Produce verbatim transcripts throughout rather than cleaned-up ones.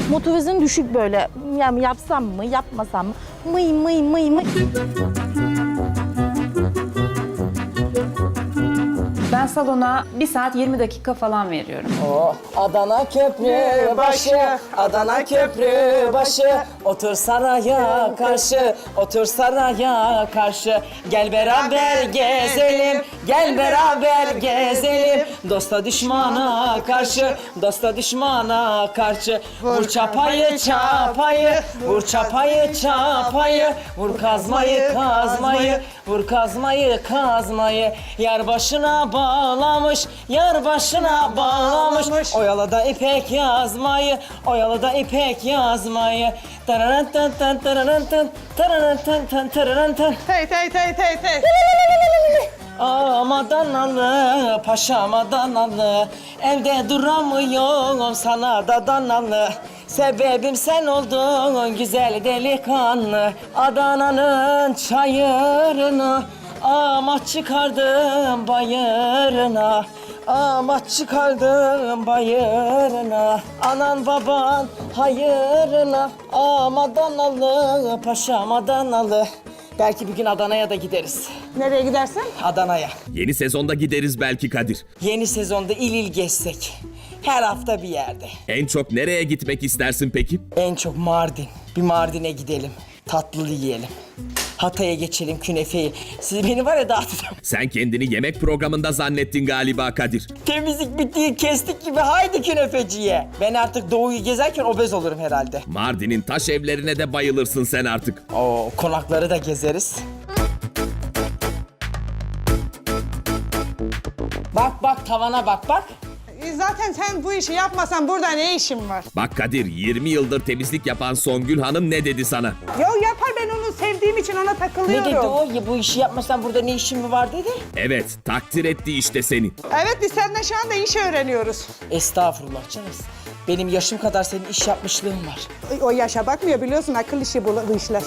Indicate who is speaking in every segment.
Speaker 1: Motivasyon düşük böyle. Yani yapsam mı, yapmasam mı? Mıy mıy mıy mıy.
Speaker 2: Ben salona bir saat yirmi dakika falan veriyorum.
Speaker 3: Oh, Adana köprü başı, Adana köprü başı. Otur saraya karşı, otur saraya karşı. Gel beraber gezelim, gel beraber gezelim. Dosta düşmana karşı, dosta düşmana karşı. Vur çapayı çapayı, vur çapayı çapayı. Vur kazmayı kazmayı, vur kazmayı kazmayı. Yar başına bağlamış, yar başına bağlamış. Oyalada ipek yazmayı, oyalada ipek yazmayı. Tararantan tan tararantan, tararantan tan tararantan.
Speaker 4: Tey tey tey tey tey.
Speaker 3: Ağam Adanalı, paşam Adanalı. Evde duramıyorum, sana da danalı. Sebebim sen oldun güzel delikanlı. Adana'nın çayırını ama çıkardım bayırına. Ama çıkardım bayırına. Anan baban hayırına. Ama Adanalı, paşam Adanalı. Belki bir gün Adana'ya da gideriz.
Speaker 4: Nereye gidersin?
Speaker 3: Adana'ya.
Speaker 5: Yeni sezonda gideriz belki Kadir.
Speaker 3: Yeni sezonda il il gezsek. Her hafta bir yerde.
Speaker 5: En çok nereye gitmek istersin peki?
Speaker 3: En çok Mardin. Bir Mardin'e gidelim. Tatlı yiyelim. Hatay'a geçelim, künefeyi. Siz beni var ya dağıtacağım.
Speaker 5: Sen kendini yemek programında zannettin galiba Kadir.
Speaker 3: Temizlik bittiği kestik gibi haydi künefeciye. Ben artık doğuyu gezerken obez olurum herhalde.
Speaker 5: Mardin'in taş evlerine de bayılırsın sen artık.
Speaker 3: Oo, konakları da gezeriz. Bak bak tavana bak bak.
Speaker 4: E, Zaten sen bu işi yapmasan burada ne işin var?
Speaker 5: Bak Kadir, yirmi yıldır temizlik yapan Songül Hanım ne dedi sana?
Speaker 4: Yo yapar, ben onu sevdiğim için ona
Speaker 3: Ne
Speaker 4: takılıyorum.
Speaker 3: dedi o? Ya bu işi yapmasan burada ne işin mi var dedi.
Speaker 5: Evet, takdir etti işte seni.
Speaker 4: Evet, biz seninle şu anda iş öğreniyoruz.
Speaker 3: Estağfurullah canım. Benim yaşım kadar senin iş yapmışlığın var.
Speaker 4: O yaşa bakmıyor, biliyorsun, akıl işi bu, bu işler.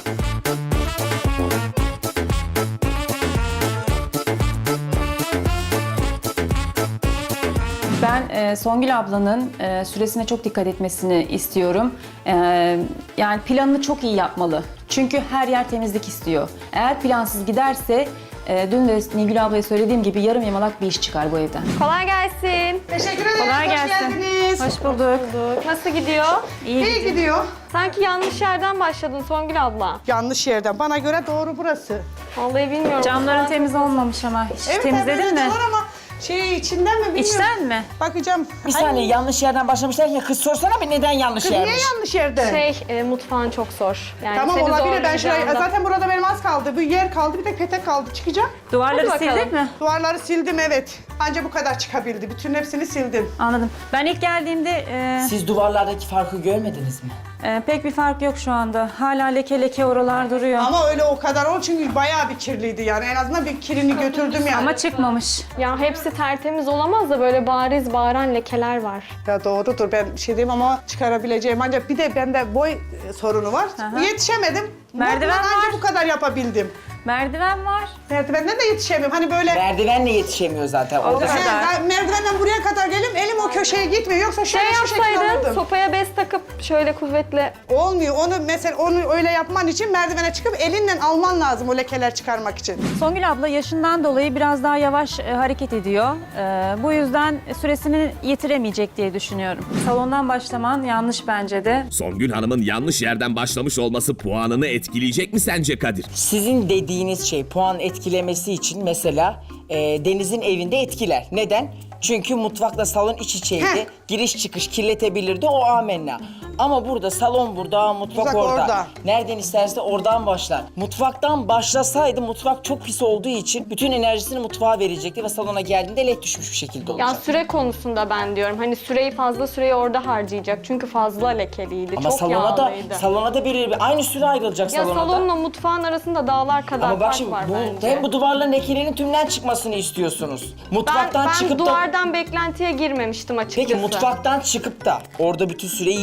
Speaker 2: Ben e, Songül ablanın e, süresine çok dikkat etmesini istiyorum. E, yani planını çok iyi yapmalı. Çünkü her yer temizlik istiyor. Eğer plansız giderse, e, dün de Nilgül ablaya söylediğim gibi yarım yamalak bir iş çıkar bu evden.
Speaker 6: Kolay gelsin.
Speaker 4: Teşekkür ederiz,
Speaker 2: Kolay
Speaker 4: hoş
Speaker 2: gelsin.
Speaker 4: geldiniz.
Speaker 2: Hoş bulduk.
Speaker 6: Nasıl gidiyor?
Speaker 2: İyi.
Speaker 4: İyi gidiyor.
Speaker 6: Sanki yanlış yerden başladın Songül abla.
Speaker 4: Yanlış yerden. Bana göre doğru burası.
Speaker 6: Vallahi bilmiyorum.
Speaker 2: Camların temiz olmamış ama. Hiç
Speaker 4: Evet,
Speaker 2: temizledin
Speaker 4: evet,
Speaker 2: mi?
Speaker 4: var ama şey içinden mi bilmiyorum.
Speaker 2: İçten mi?
Speaker 4: Bakacağım.
Speaker 3: Bir saniye yanlış yerden başlamışlar ya kız sorsana bir neden yanlış
Speaker 4: Kız niye
Speaker 3: yermiş?
Speaker 4: yanlış yerde?
Speaker 6: Şey, e, mutfağın çok zor. Yani
Speaker 4: Tamam,
Speaker 6: seni
Speaker 4: olabilir, ben şuraya,
Speaker 6: zorlayacağından.
Speaker 4: zaten burada benim az kaldı. Bir yer kaldı, bir de petek kaldı. Çıkacağım.
Speaker 2: Duvarları
Speaker 6: Hadi bakalım.
Speaker 2: sildin mi?
Speaker 4: Duvarları sildim, evet. Anca bu kadar çıkabildi. Bütün hepsini sildim.
Speaker 2: Anladım. Ben ilk geldiğimde e,
Speaker 3: Siz duvarlardaki farkı görmediniz mi?
Speaker 2: e, pek bir fark yok şu anda. Hala leke leke oralar duruyor. Ama,
Speaker 4: Ama öyle o kadar ol çünkü bayağı bir kirliydi yani. En azından bir kirini götürdüm yani.
Speaker 2: çıkmamış.
Speaker 6: Ya hepsi tertemiz olamaz da böyle bariz bağıran lekeler var.
Speaker 4: Ya doğrudur, ben bir şey diyeyim ama çıkarabileceğim. Ancak bir de bende boy e, sorunu var.
Speaker 2: Aha.
Speaker 4: Yetişemedim.
Speaker 2: Merdiven
Speaker 4: Bundan anca
Speaker 2: var.
Speaker 4: bu kadar yapabildim.
Speaker 2: Merdiven var.
Speaker 4: Merdivenden de yetişemiyorum. Hani böyle...
Speaker 3: Merdivenle yetişemiyor zaten. Orada
Speaker 4: He,
Speaker 2: kadar.
Speaker 4: ben merdivenden buraya kadar gelim, elim o köşeye gitmiyor. Yoksa
Speaker 6: Şey
Speaker 4: şöyle şu şekilde
Speaker 6: yapsaydın,
Speaker 4: alırdım.
Speaker 6: sopaya bez takıp şöyle kuvvetle...
Speaker 4: Olmuyor. Onu mesela onu öyle yapman için merdivene çıkıp elinle alman lazım o lekeler çıkarmak için.
Speaker 2: Songül abla yaşından dolayı biraz daha yavaş e, hareket ediyor. E, bu yüzden süresini yitiremeyecek diye düşünüyorum. Salondan başlaman yanlış bence de.
Speaker 5: Songül Hanım'ın yanlış yerden başlamış olması puanını etkileyecek mi sence Kadir?
Speaker 3: Sizin dediğiniz şey puan etkilemesi için mesela e, Deniz'in evinde etkiler. Neden? Çünkü mutfakla salon iç içeydi.
Speaker 4: Heh.
Speaker 3: Giriş çıkış kirletebilirdi, o amenna. Ama burada salon burada, mutfak
Speaker 4: Mutfak
Speaker 3: orada.
Speaker 4: orada.
Speaker 3: Nereden isterse oradan başlar. Mutfaktan başlasaydı mutfak çok pis olduğu için bütün enerjisini mutfağa verecekti ve salona geldiğinde lek düşmüş bir şekilde olacak.
Speaker 6: Ya süre konusunda ben diyorum. Hani süreyi fazla süreyi orada harcayacak. Çünkü fazla lekeliydi.
Speaker 3: Ama
Speaker 6: çok
Speaker 3: salona da
Speaker 6: yağlıydı.
Speaker 3: salona da bir aynı süre ayrılacak
Speaker 6: Ya
Speaker 3: salona da.
Speaker 6: salonla mutfağın arasında dağlar kadar
Speaker 3: Ama bak
Speaker 6: fark
Speaker 3: şimdi
Speaker 6: var
Speaker 3: bu,
Speaker 6: bence.
Speaker 3: hem bu duvarların lekelerinin tümden çıkmasını istiyorsunuz.
Speaker 6: Ben,
Speaker 3: Mutfaktan
Speaker 6: ben
Speaker 3: çıkıp da...
Speaker 6: duvardan beklentiye girmemiştim açıkçası.
Speaker 3: Peki mutfaktan çıkıp da orada bütün süreyi yiyecek çünkü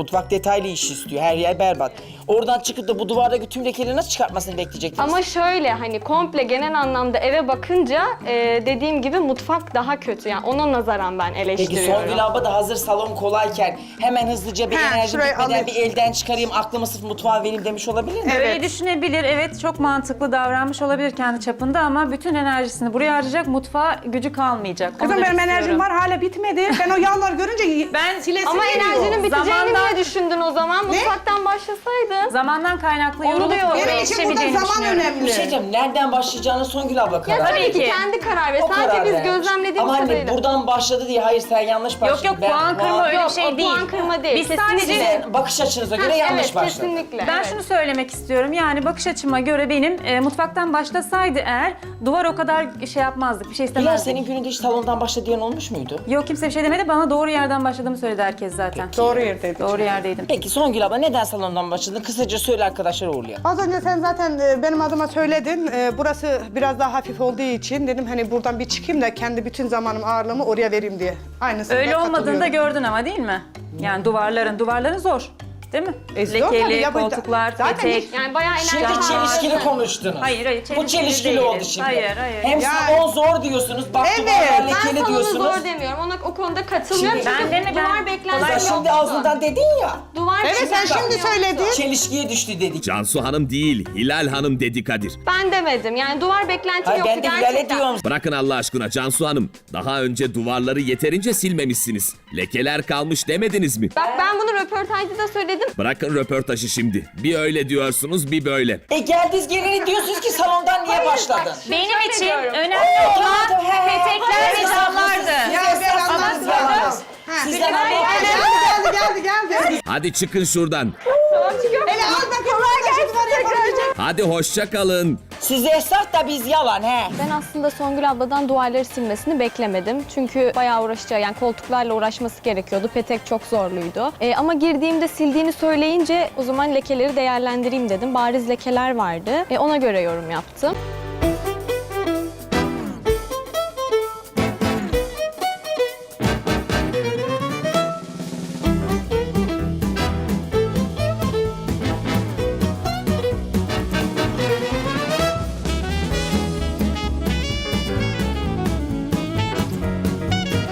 Speaker 3: Mutfak detaylı iş istiyor. Her yer berbat. Oradan çıkıp da bu duvardaki tüm lekeleri nasıl çıkartmasını bekleyecektiniz?
Speaker 6: Ama şöyle hani komple genel anlamda eve bakınca e, dediğim gibi mutfak daha kötü. Yani ona nazaran ben
Speaker 3: Peki
Speaker 6: eleştiriyorum.
Speaker 3: Songül abla da hazır salon kolayken hemen hızlıca bir
Speaker 4: He,
Speaker 3: enerji
Speaker 4: şurayı
Speaker 3: bitmeden
Speaker 4: alayım.
Speaker 3: bir elden çıkarayım, aklımı sırf mutfağa vereyim demiş olabilir mi?
Speaker 2: Öyle düşünebilir. Evet, çok mantıklı davranmış olabilir kendi çapında ama bütün enerjisini buraya harcayacak, mutfağa gücü kalmayacak. Onu
Speaker 4: Kızım
Speaker 2: demek
Speaker 4: benim enerjim
Speaker 2: istiyorum.
Speaker 4: var hala bitmedi. Ben o yağları görünce
Speaker 2: Ben-
Speaker 4: silesim
Speaker 6: Ama
Speaker 4: geliyor.
Speaker 6: enerjinin biteceğini
Speaker 2: Zamandan-
Speaker 6: niye düşündün o zaman? Mutfaktan başlasaydın.
Speaker 2: Zamandan kaynaklı
Speaker 6: Onu
Speaker 2: yorulup
Speaker 6: diyorum.
Speaker 2: oraya
Speaker 4: Benim için burada
Speaker 2: yetişemeyeceğini
Speaker 4: zaman
Speaker 2: düşünüyorum.
Speaker 4: önemli.
Speaker 3: Bir şey diyeceğim, nereden başlayacağını Songül abla karar
Speaker 6: Ya tabii
Speaker 3: verir.
Speaker 6: ki
Speaker 2: ki.
Speaker 6: kendi karar ver.
Speaker 3: O
Speaker 6: Sadece
Speaker 3: karar
Speaker 6: biz
Speaker 3: vermiş.
Speaker 6: gözlemlediğimiz
Speaker 3: Ama hani
Speaker 6: kadarıyla.
Speaker 3: buradan başladı diye hayır sen yanlış başladın.
Speaker 2: Yok yok,
Speaker 3: Ben
Speaker 2: puan kırma öyle bir
Speaker 6: Yok,
Speaker 2: şey
Speaker 6: o
Speaker 2: değil.
Speaker 6: puan kırma değil.
Speaker 2: Biz
Speaker 6: Kesinlikle.
Speaker 2: sadece
Speaker 3: Sizin bakış açınıza göre
Speaker 6: Ha,
Speaker 3: yanlış
Speaker 6: evet,
Speaker 3: başladı.
Speaker 6: kesinlikle.
Speaker 2: Ben
Speaker 6: evet.
Speaker 2: şunu söylemek istiyorum. Yani bakış açıma göre benim e, mutfaktan başlasaydı eğer duvar o kadar şey yapmazdık. Bir şey
Speaker 3: Bilal
Speaker 2: istemezdik.
Speaker 3: senin gününde hiç salondan başla diyen olmuş muydu?
Speaker 2: Yok, kimse bir şey demedi. Bana doğru yerden başladığımı söyledi herkes zaten.
Speaker 4: Doğru yerdeydik.
Speaker 2: Doğru yerdeydim.
Speaker 3: Peki Songül abla neden salondan başladın? Kısaca söyle arkadaşlar uğurlayalım.
Speaker 4: Az önce sen zaten e, benim adıma söyledin. E, burası biraz daha hafif olduğu için dedim hani buradan bir çıkayım da kendi bütün zamanım ağırlığımı oraya vereyim diye. Aynısını
Speaker 2: Öyle
Speaker 4: da
Speaker 2: olmadığını da
Speaker 4: katılıyorum.
Speaker 2: gördün ama değil mi? Yani duvarların, duvarların zor. Değil mi?
Speaker 4: E, zor tabii
Speaker 2: Lekeli,
Speaker 4: ya, bu-
Speaker 2: koltuklar,
Speaker 4: zaten
Speaker 2: petek.
Speaker 4: hiç-
Speaker 6: Yani bayağı
Speaker 3: Şimdi
Speaker 6: enerji
Speaker 3: çelişkili
Speaker 6: harcadın.
Speaker 3: konuştunuz.
Speaker 2: Hayır, hayır,
Speaker 3: Bu
Speaker 2: çelişkili
Speaker 3: çelişkili
Speaker 2: değiliz.
Speaker 3: oldu şimdi.
Speaker 2: Hayır, hayır.
Speaker 3: Hem
Speaker 4: Yani-
Speaker 3: salon zor diyorsunuz, bak
Speaker 4: Evet,
Speaker 3: duvarlar
Speaker 6: Ben
Speaker 3: lekeli
Speaker 6: salonu
Speaker 3: diyorsunuz.
Speaker 6: zor demiyorum. Ona o konuda katılmıyorum.
Speaker 3: Şimdi-
Speaker 6: Çünkü
Speaker 2: Ben demedim.
Speaker 6: duvar beklenti
Speaker 3: Sen
Speaker 6: yoktu.
Speaker 3: şimdi ağzından dedin ya.
Speaker 6: Duvar
Speaker 4: Evet sen
Speaker 6: beklenti
Speaker 4: şimdi
Speaker 6: yoktu.
Speaker 4: söyledin.
Speaker 3: Çelişkiye düştü dedik.
Speaker 5: Cansu Hanım değil, Hilal Hanım dedi Kadir.
Speaker 6: Ben demedim. Yani duvar beklenti
Speaker 3: Hayır
Speaker 6: yoktu
Speaker 3: ben de
Speaker 6: gerçekten.
Speaker 3: Hilal'e diyorum.
Speaker 5: Bırakın Allah aşkına Cansu Hanım. Daha önce duvarları yeterince silmemişsiniz. Lekeler kalmış demediniz mi?
Speaker 6: Bak ben bunu röportajda da söyledim.
Speaker 5: Bırakın röportajı şimdi. Bir öyle diyorsunuz, bir böyle.
Speaker 3: E geldiniz geleni diyorsunuz ki salondan niye başladın?
Speaker 2: Benim
Speaker 6: Rica
Speaker 2: için
Speaker 6: ediyorum.
Speaker 2: önemli olan
Speaker 3: He,
Speaker 2: petekler ve
Speaker 3: siz
Speaker 2: camlardı.
Speaker 3: haklısınız,
Speaker 4: Ya
Speaker 3: siz
Speaker 4: ben
Speaker 3: esnafsınız,
Speaker 4: anladım.
Speaker 3: yalanız.
Speaker 4: Ha,
Speaker 3: Sizden
Speaker 4: geldi,
Speaker 3: anladım.
Speaker 4: geldi, geldi, geldi.
Speaker 5: Hadi çıkın şuradan.
Speaker 4: Hele al bakayım. Kolay gelsin.
Speaker 5: Hadi hoşça kalın.
Speaker 3: Siz esnaf da biz yalan he.
Speaker 6: Ben aslında Songül abladan duvarları silmesini beklemedim. Çünkü bayağı uğraşacağı, yani koltuklarla uğraşması gerekiyordu. Petek çok zorluydu. Ee, ama girdiğimde sildiğini söyleyince o zaman lekeleri değerlendireyim dedim. Bariz lekeler vardı. Ee, ona göre yorum yaptım.